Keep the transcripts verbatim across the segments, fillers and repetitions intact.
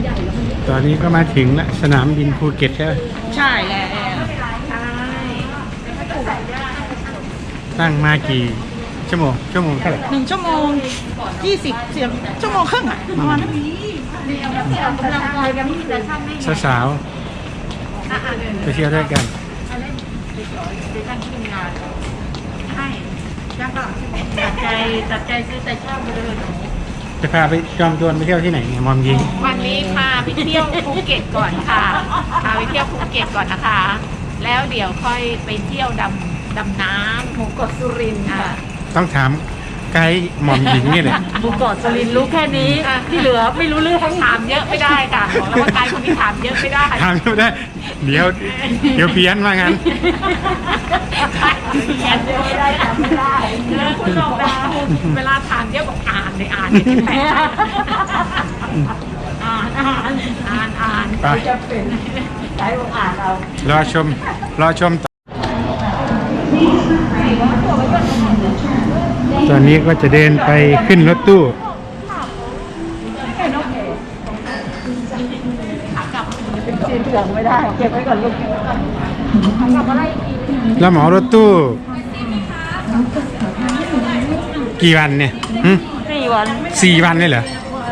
ตอนนี้ก็มาถึงแล้วสนามบินภูเก็ตใช่ไหมใช่แล้วใช่ตั้งมากี่ชั่วโมงชั่วโมงเท่าไหร่หนึ่งชั่วโมงยี่สิบเสียงชั่วโมงครึ่งอ่ะประมาณนั้นสาวๆไปเที่ยวด้วยกันตัดใจตัดใจซื้อแต่เช่าไปเลยจะพาไปจอมโจรไปเที่ยวที่ไหนเนี่ยมอมยิงวันนี้พาไปเที่ยวภูเก็ตก่อนค่ะพาไปเที่ยวภูเก็ตก่อนนะคะแล้วเดี๋ยวค่อยไปเที่ยวดำดำน้ำหมู่เกาะสุรินทร์ค่ะต้องถามไกด์หม่อมหญิงนี่แหละหมู่เกาะสุรินทร์รู้แค่นี้ที่เหลือไม่รู้เรื่องถามเยอะไม่ได้ค่ะบอกแล้วว่าไกด์คนนี้ถามเยอะไม่ได้ถามเยอะไม่ได้เดี๋ยวเดี๋ยวเพี้ยนว่างั้นเพี้ยนไม่ได้ถามไม่ได้เลิกคุณบอกนะเวลาถามเยอะบอกอ่านเลยอ่านเลยอ่านอ่านอ่านอ่านจะเป็นไกด์บอกอ่านเอารอชมรอชมตอนนี้ก็จะเดินไปขึ้นรถตู้ไม่ได้เก็บไว้ก่อนลูกแล้วเหมารถตู้กี่วันเนี่ยสี่วันสี่วันเลยเหรอ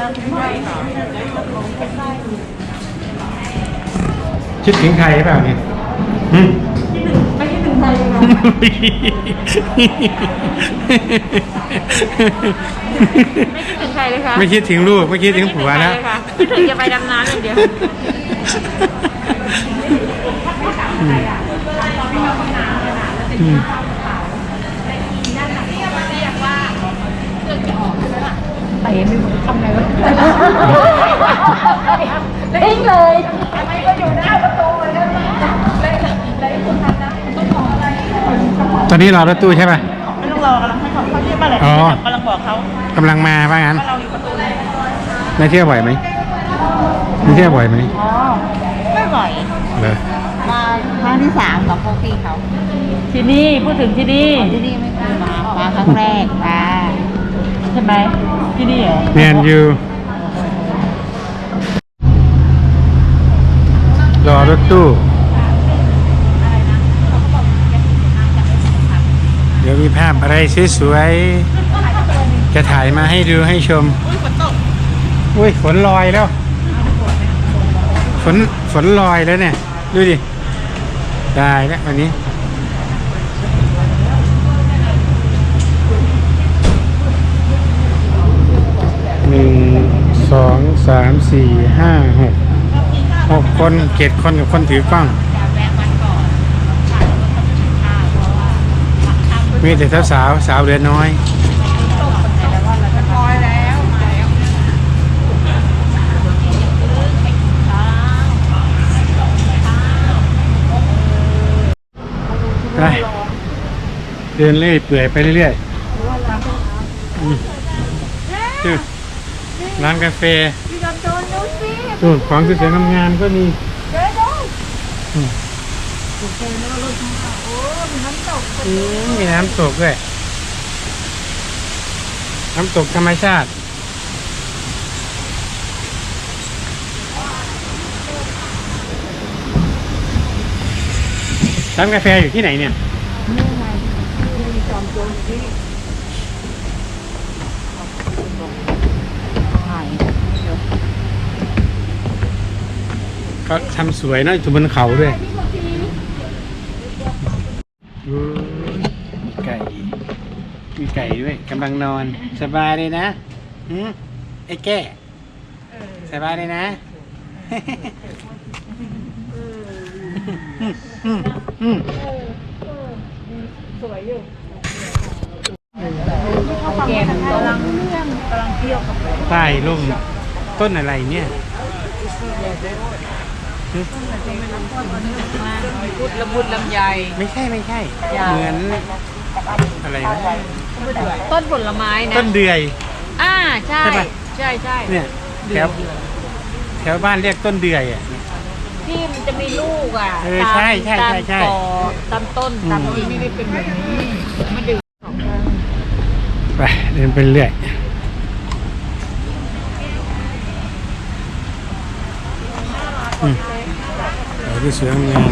คิดถึงใครเปล่าเนี่ยไม่คิดถึงใครค่ะไม่คิดถึงใครเลยค่ะไม่คิดถึงลูกไม่คิดถึงผัวนะคิดถึงจะไปดำน้ำอย่างเดียวไปไม่รู้ทำไงวะเล่นเลยทำไมก็อยู่หน้าประตูเลยนะเล่นเลยคุณทันนะต้องบอกอะไรตอนนี้รอรถตู้ใช่ป่ะไม่ต้องรอกำลังให้เขาเขาเรียกมาเลยกำลังบอกเขากำลังมาว่างั้นเราอยู่ประตูเลยไม่เที่ยวบ่อยไหมไม่เที่ยวบ่อยไหมอ๋อไม่บ่อยเลยมาครั้งที่สามกับพวกพี่เขาที่นี่พูดถึงที่นี่ที่นี่ไม่เคยมามาครั้งแรกมาใช่ไหมที่นี่เหรอเนียนอยู่รอรถตู้เดี๋ยวมีภาพอะไรสวยๆจะถ่ายมาให้ดูให้ชมอุ้ยฝนลอยแล้วฝนฝนลอยแล้วเนี่ยดูดิได้แล้ววันนี้หนึ่งสองสามสี่ห้าหกหกคนเจ็ดคนกับคนถือกล้องมีแต่สาวสาวสาวเรือน้อยไปเดินเรื่อยเปื่อยไปเรื่อยๆร้านกาแฟสูตรของสวยๆงามๆก็มีมีน้ำตกด้วยน้ำตกธรรมชาติร้านกาแฟอยู่ที่ไหนเนี่ยเขาทำสวยเนาะอยู่บนเขาด้วยไก่มีไก่ด้วยกำลังนอนสบายเลยนะอืมไอ้แก่สบายเลยนะสวยอยู่เกมกำลังกำลังเที่ยวกับใต้ร่มต้นอะไรเนี่ยพุดละมุดลำไยไม่ใช่ไม่ใช่เหมือนอะไรนะต้นผลไม้นะต้นเดือยอ่าใช่ใช่ใช่เนี่ยแถวแถวบ้านเรียกต้นเดือยอ่ะที่มันจะมีลูกอ่ะเออใช่ใช่ใช่ใช่ตามต้นตามที่ไม่ได้เป็นแบบนี้มันดึงไปเดินไปเรื่อยอืมดอกที่สวยงาม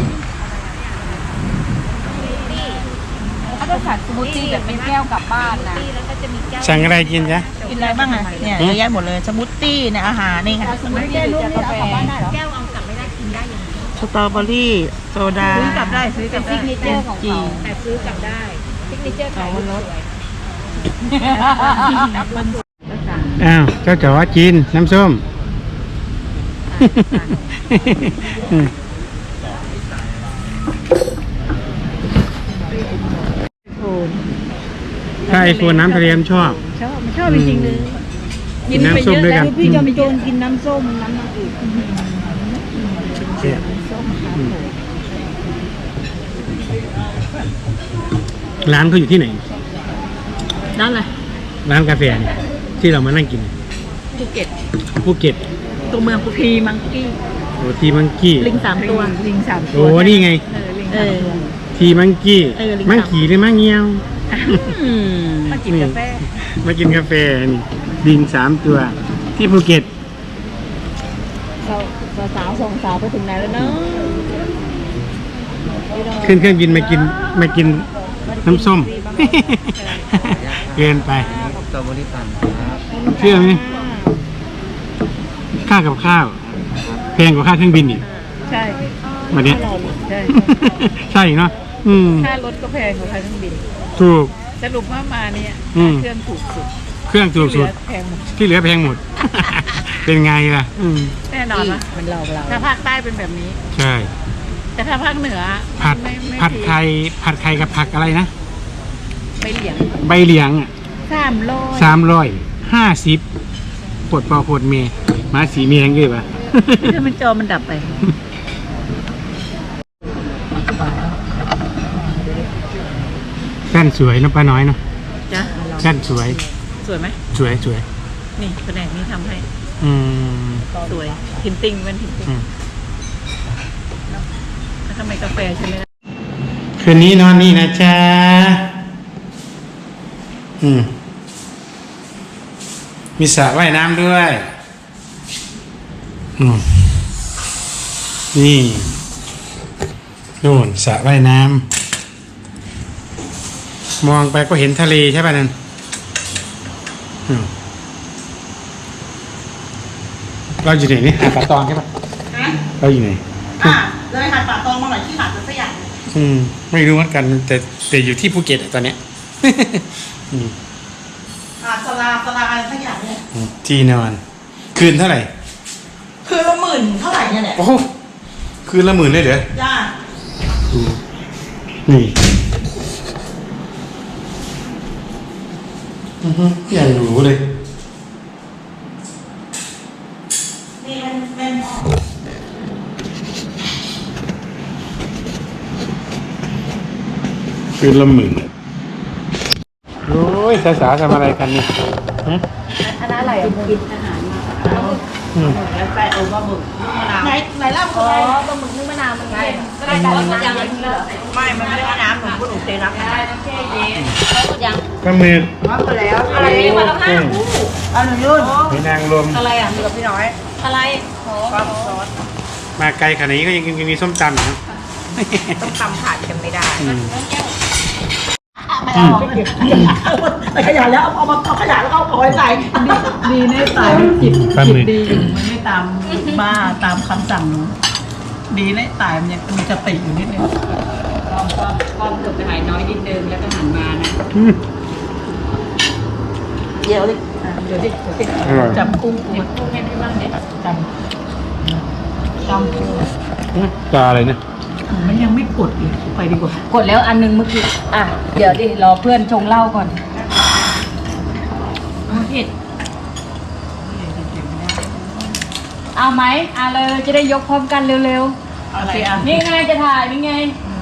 เขาจะสั่งสมูทตี้แบบเป็นแก้วกลับบ้านนะสั่งอะไรกินจ๊ะกินอะไรบ้างอ่ะเนี่ยเยอะแยะหมดเลยสมูทตี้เนี่ยอาหารนี่ค่ะสมูทตี้หรือกาแฟแก้วเอากลับไม่ได้กินได้อย่างนี้สตรอเบอรี่โซดาซื้อกลับได้ซื้อกลับได้ซิกเนเจอร์ของเขาแต่ซื้อกลับได้ซิกเนเจอร์ของมันลดอ้าวเจ้าจ๋อจีนน้ำส้ม ถ้าไอโฟนน้ำทะเลมชอบชอบมันชอบจริงๆเลยกินน้ำส้มด้วยกันพี่จอมโจรกินน้ำส้มน้ำมันอื่นเนี่ยอืมร้านเขาอยู่ที่ไหนนั่นเลยร้านกาแฟเนี่ยที่เรามานั่งกินภูเก็ตภูเก็ตตัวเมืองภูพีมังกี้โอ้ทีมังกี้ลิงสามตัวลิงสามตัโอ้นี่ไงเออทีมังกี้เออลิงมังสามขี่หรือมังเงี้ยวอืมมากินกาแฟมากินกาแฟนี่ลิงสามตัว ที่ภูเก็ตเราสาวส่งสาวไปถึงไหนแล้วเนาะขึ้นเครื่องบินมากินมากินน้ำส้ม เกินไปสตรอเบอรี่ปั่นครับเชื่อไหมค่ากับข้าวแพงกว่าค่าเครื่องบินอีกใช่วันเนี้ยใช่ใช่เนาะอืมค่ารถก็แพงกว่าค่าเครื่องบินถูกสรุปว่ามาเนี่ยอืมเครื่องถูกสุดเครื่องถูกสุดแพงหมดที่เหลือแพงหมด เป็นไงล่ะ อืมแน่นอนนะมันเราเราถ้าภาคใต้เป็นแบบนี้ใช่แต่ถ้าภาคเหนือผัดไม่ไม่ผัดไข่ผัดไข่กับผักอะไรนะไม่เหลียงใบเหลียงอ่ะสามโลสามร้อยห้าสิบปวดปอปวดเมย์มาสีเมียงเลยปะถ้ามันจอมันดับไปแป้นสวยเนอะป้าน้อยเนาะจ้ะแป้นสวยสวยไหมสวยสวยนี่แผนกนี้ทำให้อืมสวยพิมพ์ติ้งเป็นพิมพ์ติ้งอืมแล้วทำไมกาแฟใช่ไหมล่ะคืนนี้นอนนี่นะจ๊ะอืมมีสระว่ายน้ำด้วยอืมนี่นู่นสระว่ายน้ำมองไปก็เห็นทะเลใช่ป่ะนั่นอืมเราอยู่ไหนนี่หาดป่าตองใช่ป่ะเราอยู่ไหนอ่ะเลยหาดป่าตองมาหน่อยที่หาดสักอย่างอืมไม่รู้เหมือนกันแต่แต่อยู่ที่ภูเก็ตอะตอนเนี้ย อืมหาดสลาสลาอะไรสักอย่างเนี่ยอืมที่นอน คืนเท่าไหร่คือละหมื่นเท่าไหร่เนี่ยเนี่ยโอ้โหคืนละหมื่นเลยเหรอจ้าดูนี่อือฮึอย่างหรูเลยนี่เป็นเป็นคืนละหมื่นโอ้ยสาวๆทำอะไรกันเนี่ยฮะคณะอะไรกินอาหารมาอืมแล้วแฟนโอปลาหมึกลูกมะนาวไหนไหนเล่าอ๋คือออะไรปลาหมึกนึ่งมะนาวมันเค็มก็ได้แต่ว่ามันยังเหลือไม่มันไม่ได้ว่าน้ำหนูพูดหนูเซนับได้น้ำแช่เย็นเขาหมดยังปลาหมึกน้ำไปแล้วอะไรนี่มาแล้วห้าคู่เอาหนูยุ่นหอยนางรมอะไรอ่ะกับพี่น้อยอะไรโหความซอสมาไกลขนาดนี้ก็ยังยังมีส้มตำอยู่นะต้องทำขาดกันไม่ได้อืมไม่เอาไม่ขยะแล้วเอามาเอาขยะแล้วก็เอาไว้ใส่ดีในสายจิตปลาหมึกดีอยู่มันไม่ตามบ้าตามคำสั่งหนูดีในสายมันยังมีสติอยู่นิดนึงความความความเกือบจะหายน้อยนิดนึงแล้วก็หันมานะอืมเดี๋ยวดิอ่ะเดี๋ยวดิเดี๋ยวดิอร่อยจับกุ้งกูเดี๋ยวพูดให้ได้บ้างเนี่ยจำจำกูปลาอะไรเนี่ยมันยังไม่กดอีกไปดีกว่ากดแล้วอันนึงเมื่อกี้อ่ะเดี๋ยวดิรอเพื่อนชงเหล้าก่อนผิดเอาไหมเอาเลยจะได้ยกพร้อมกันเร็วอะไรอ่ะๆนี่ไงจะถ่ายนี่ไง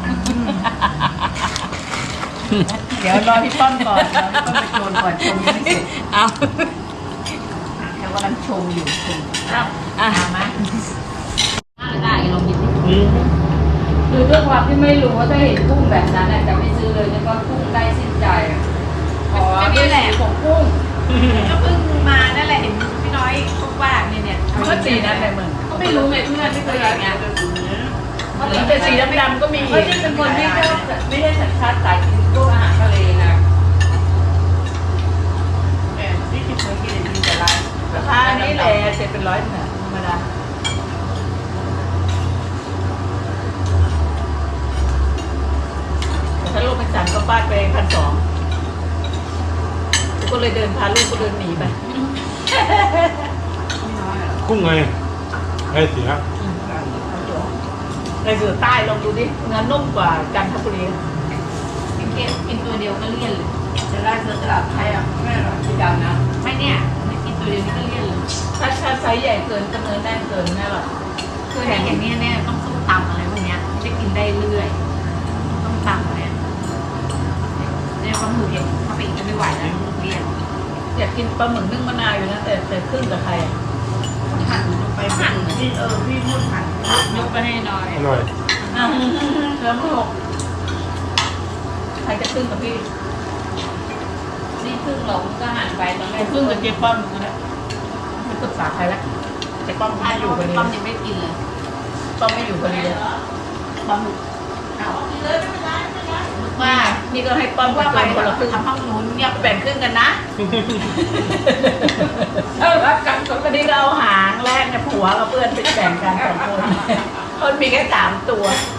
เดี๋ยวรอพี่ต้นก่อนรอพี่ต้นไปโชว์ก่อนชมยังไม่เสร็จเอาเดี๋ยวกำลังชมอยู่ชมเอาอ่ะมาได้ลองหยิบดิอืมคือด้วยความที่ไม่รู้ว่าถ้าเห็นกุ้งแบบนั้นน่ะจะไม่ซื้อเลยแล้วก็กุ้งได้สิ้นใจอ่ะอ๋อนี่แหละของกุ้งก็เพิ่งมานั่นแหละเห็นพี่น้อยพูดว่าเนี่ยเนี่ยก็ตีนั่นแหละมึงก็ไม่รู้ไงเพื่อนไม่เคยเห็นไงแหละเสร็จเป็นร้อยเนี่ยธรรมดาแต่ถ้าลูกเป็นสันก็ฟาดไปพันสองก็เลยเดินพาลูกก็เดินหนีไปกุ้งไงไอ้เสียในเสือใต้ลองดูดิเนื้อนุ่มกว่าจันทบุรีกินเกมกินตัวเดียวก็เลี่ยนเลยจะได้เสือตลาดไทยอ่ะแม่หรอสีดำนะไม่เนี่ยไม่กินตัวเดียวนี่ก็เลี่ยนเลยถ้าถ้าไซส์ใหญ่เกินก็เนื้อแน่นเกินแน่หรอคือเนี่ยอย่างนี้เนี่ยต้องส้มตำอะไรพวกเนี้ยจะกินได้เรื่อยต้องตำเนี่ยเนี่ยปลาหมึกเนี่ยถ้าไปอีกจะไม่ไหวแล้วเลี่ยนอยากกินปลาหมึกนึ่งมะนาวอยู่นะแต่แต่ขึ้นกับใครหั่นลงไปหั่นพี่เออพี่พูดหันยกไปให้หน่อยอร่อยอ่ะแล้วหกใครจะขึ้นกับพี่นี่ครึ่งหลงก็หั่นไปตอนแรกขึ้นกับเจ๊ป้อมก็ได้ไม่ปรึกษาใครแล้วเจ๊ป้อมถ้าไม่ออยู่ ยู่กักัน นป้อมนี้ยังไม่กินเลยป้อมไม่อยู่กันเลยป้อมว่านี่ก็ให้ป้อมว่าว่าไปไปคนละครึ่งทำห้องนู้นเนี่ยแบ่งครึ่งกันนะเออรักกันคนนี้ก็เอาหางแรกเนี่ยผัวกับเพื่อนไปแบ่งกันสองคนคนมีแค่สามตัว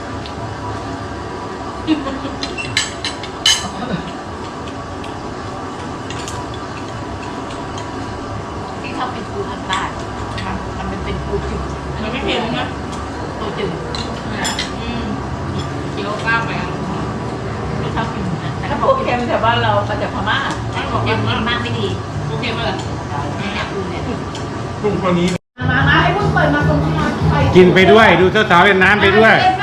ที่เขาเป็นปูทางใต้มันมันเป็นปูจืดอันนี้ไม่เค็มนะปูจืดอืมเคี้ยวกล้าไปไม่ชอบกินนะแต่ถ้าก็พบวอกกเค็มแถวบ้านเรามาจากพม่าให้บอกว่ากินมากไม่ดีปูเค็มอะไรเนี่ยปูเนี่ยกุ้งตัวนี้มามาไอ้พวกเปิดมาตรงนี้ไปกินไปด้วยดูสาวๆเล่นน้ำไปด้วยเล่น